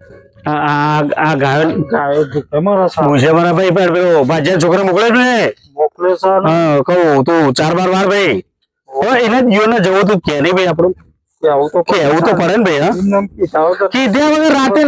આ ગાયો ગાયો ભૂખે મરે છે. પૂછે મારા ભાઈ પણ પેલો ભાજ્યા છોકરા મોકલે છે ને મોકલે છે ને. હા કહું તું 4 વાર ભાઈ એને જીવન જવું તું કે નહીં ભાઈ આપણું કેવું તો કેવું તો પડે ને ભાઈ હા એમ કીધા વગર કીધા વગર રાતે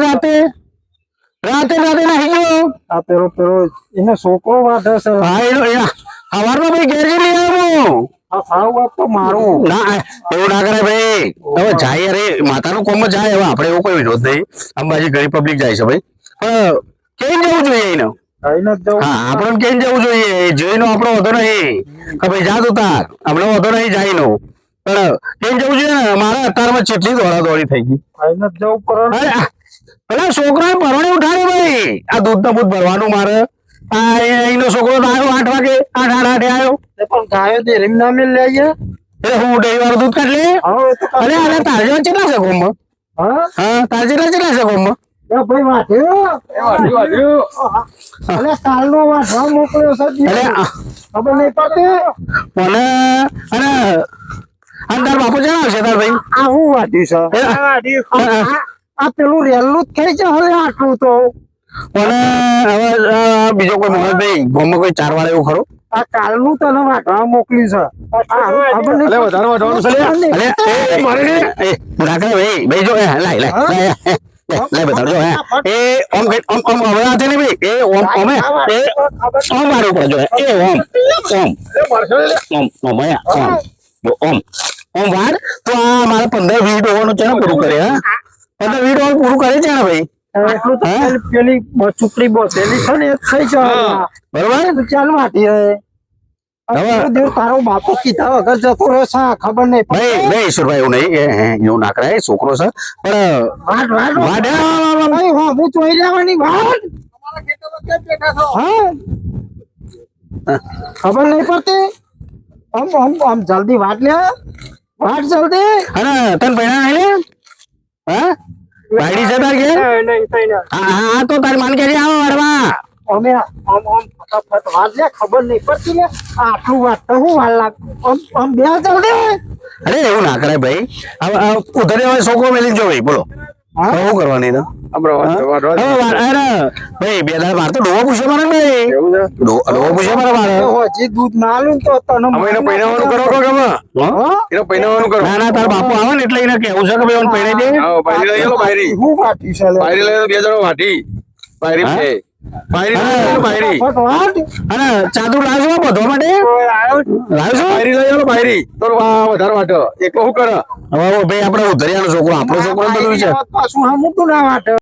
નાહી ગયો આ પેલો એને છોકરો વાઢે છે. હા એનો સવારમાં ભાઈ ઘેર જઈ લઈ આવ્યો આ સાવ વાત તો મારું. ના એવું ના કરે ભાઈ હવે જાય અરે માતાનું કોમ જાય હવે આપણે એવો કોઈ વિરોધ નહીં અંબાજી ઘણી પબ્લિક જાય છે ભાઈ પણ કેમ જવું જોઈએ એને કઈને જ જવું. હા આપણે કેમ જવું જોઈએ જોઈનો આપણો વધો નહીં કે ભાઈ જા તું તાર આપણે વધો નહીં જાયનો પણ કેમ જવું જોઈએ ને મારા અત્યારમાં કેટલી દોડી થઈ ગઈ કઈને જ જવું પડે ને. અરે પેલા છોકરાને પરણે ઉઠાડે ભાઈ આ દૂધ બૂધ ભરવાનું મારે આ એનો છોકરો તો આવ્યો 8 વાગે 8 આવ્યો એ પણ ગાયો ડેરીમાં ના મેલ લઈએ. એટલે હું ડેરી વાળું દૂધ કાઢ લે હવે એ તો અરે અરે તાર જેવા કેટલા છે ગોમમાં હા હા તાર જેટલા છે ગોમમાં એ ભાઈ વાઢ્યો. અલે કાલનો વાઢવા મોકલ્યો છે. અરે ખબર નહીં પડતી. મને અને તાર બાપુ જણાવશે તાર ભાઈ આ હું વાઢ્યું છે. આ પેલું રેલું જ થઈ છે હવે આટલું તો. મને હવે બીજો કોઈ મોહન ભાઈ ગોમમાં કોઈ 4 વાર એવું ખરું આ કાલનું તને વાઢવા મોકલી છે. ખબર નહીં. વધારે વાઢવાનું છે ના કરે ભાઈ જો લાય બતાવજો એ ઓમ ઓમ હવે આ છે ને ભાઈ એ ઓમ ઓમે એ ઓમ મારું પડે જો એ ઓમ ઓમ વાર તો આ મારા 15-20 ઓવરનું છે ને પૂરું કરે હા 15-20 ઓવર પૂરું કરે છે ને ભાઈ એટલું તો પેલી ચૂપડી બોસેલી છે ને એ થઈ જાય. બરોબર ચાલ વાટી રહે. હવે તારો બાપો કીધા વગર જતો રહ્યો છે. ખબર નહીં ભાઈ ઈશ્વરભાઈ એવું નહીં એવું ના કરાય છોકરો છે પણ વાટ હું ચોઈ લેવાની વાત. હા ખબર નહીં પડતી. આમ જલ્દી વાટ લે વાટ જલ્દી. અને તને પૈણા નહીં હા બાયડી છે તાર કે હા તો તારી માન કે આવો વડવા અમે ફટાફટ વાત લે. ખબર નહીં પડતી લે. આટલું વાત તો હું વાર લાગ આમ બે જલ્દી. અરે એવું ના કરાય ભાઈ હવે ઉધરે હવે છોકરો મેલી જો ભાઈ બોલો શું કરવાની તો અરે ભાઈ બે દાડા મારે તો ડોવો પૂછે મારે ભાઈ ડોવો પૂછે મારે હજી દૂધ ના આલું તો તને પૈણાવાનું કરો કે ના ના તાર બાપુ આવે ને એટલે એને કેવું છે કે ભાઈ પૈણે દે હું વાટી છે અને ચાદુ લાવજો બધો માટે લાવજો હવે ભાઈ આપડે ઉધરિયાનો છોકરો આપણો છોકરો બધું છે પાછું હમું તું ના વાટે.